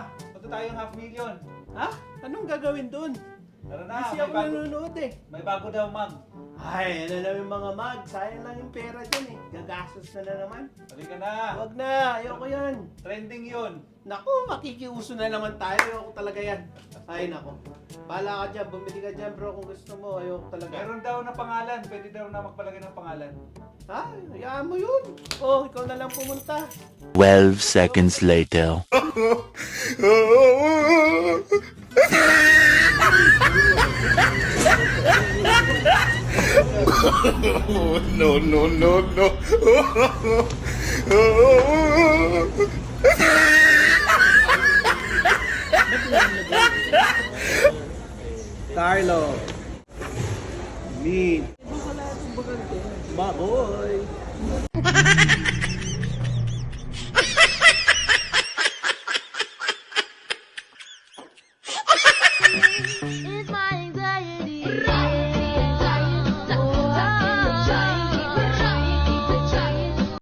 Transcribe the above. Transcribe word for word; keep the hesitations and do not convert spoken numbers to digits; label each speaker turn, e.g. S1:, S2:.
S1: Punta tayong half million.
S2: Ha? Anong gagawin dun?
S1: Tara na,
S2: Kasi
S1: may
S2: ako
S1: bago,
S2: nanonood eh.
S1: may bago daw, ma'am.
S2: Ay, ano naman yung mga mag. Sayang lang yung pera dyan eh. Gagastos na na naman.
S1: Halika na.
S2: Huwag na, ayoko yan.
S1: Trending yun.
S2: Naku, makikiuso na naman tayo. Ayoko talaga yan. Ay, naku. Bahala ka dyan, bumili ka dyan bro kung gusto mo. Ayoko talaga.
S1: Meron daw na pangalan. Pwede daw na magpalagay ng pangalan.
S2: Ha? Hayaan mo yun. Oh, ikaw na lang pumunta.
S3: twelve seconds later.
S4: no, no, no, no.